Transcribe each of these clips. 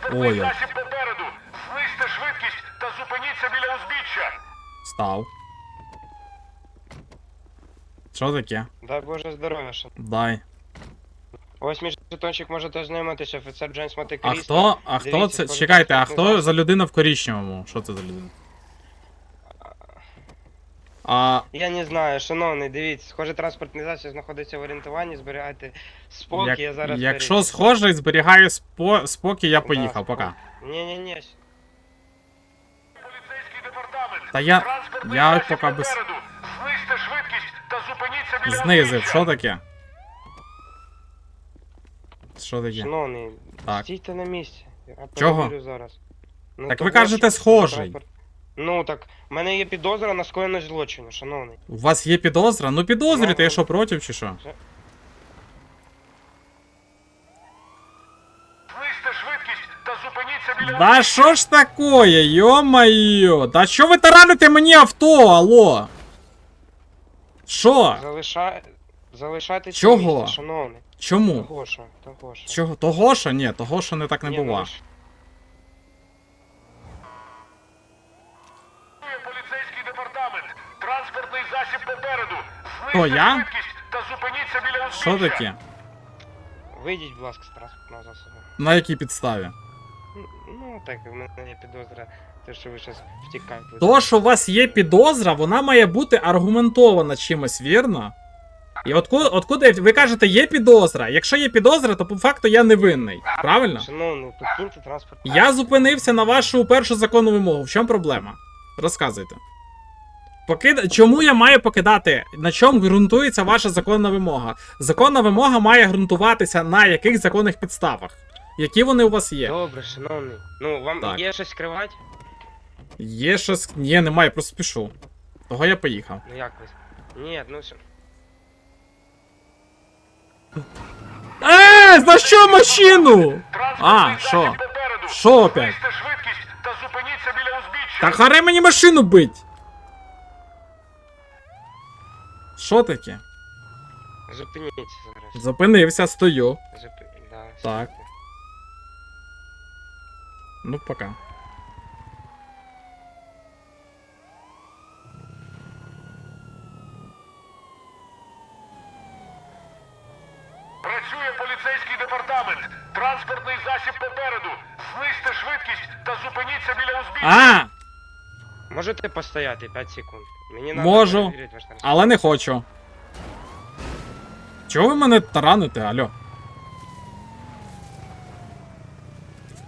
Ой. засіб попереду. Знизьте швидкість та зупиніться біля узбіччя. Став. Що таке? Дай Боже здоров'я, що. Дай. Ось мій жетончик можете ознайомитися, офіцер Джеймс А Монте-Крісто. хто Дивіться, це? схоже, Чекайте, а транспортний хто засіб. за людина в коричневому? Що це за людина? А, Я не знаю, шановний, дивіться, схоже, транспортний засіб знаходиться в орієнтуванні, зберігайте спокій, я зараз якщо перевірю. схожий, зберігаю спокій, я поїхав, Да, пока. Ні-ні-ні. Поліцейський департамент. Та я Транспортний я засіб поки без... попереду. Знизьте швидкість та зупиніться біля Знизив, узбіччя. що таке? Що таке? Шановний, Так. стійте на місці. Я Чого? перевірю зараз. Ну, Так того, ви кажете, що схожий. Ну так, в мене є підозра на скоєння злочину, шановний. У вас є підозра? Ну підозрюйте, Ну, я що, проти чи що? Знизьте швидкість та зупиніться біля Да що ж такое, ё-моё? Да що ви тараните мені авто, алло? Що? Залишайтеся Чого? на місці, шановний. Чому? Того що. Чого? Того що? Ні, того що не так не Ні, ну бува. ви ж- поліцейський департамент. Транспортний засіб попереду. Хто, Знизьте я? швидкість та зупиніться біля узбіччя. Що таке? Вийдіть, будь ласка, з транспортного засобу. На якій підставі? Ну, так, в мене є підозра, те, що ви зараз втікаєте. То, що у вас є підозра, вона має бути аргументована чимось, вірно? І откуда ви кажете, є підозра? Якщо є підозра, то по факту я невинний. Правильно? Шановний, покиньте транспорт. Я зупинився на вашу першу законну вимогу. В чому проблема? Розказуйте. Чому я маю покидати? На чому ґрунтується ваша законна вимога? Законна вимога має ґрунтуватися на яких законних підставах? Які вони у вас є? Добре, шановний. Ну, вам Так. є щось скривати? Є щось. Ні, немає, просто спішу. Того я поїхав. Ну як ви? Ні, ну все. За що машину? Транспортний що? засіб попереду. Що опять? Знизьте швидкість та зупиніться біля узбіччя. Та харе мені машину бить! Що таке? Зупиніться зараз. Зупинився, стою. Да, Так. стійте. Ну, пока. Працює поліцейський департамент. Транспортний засіб попереду. Знизьте швидкість та зупиніться біля узбіччя. Можете постояти 5 секунд? Мені надо Можу. перевірити ваш транспорт. Але не хочу. Чого ви мене тараните, алло?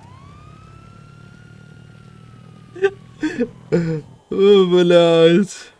О, блядь.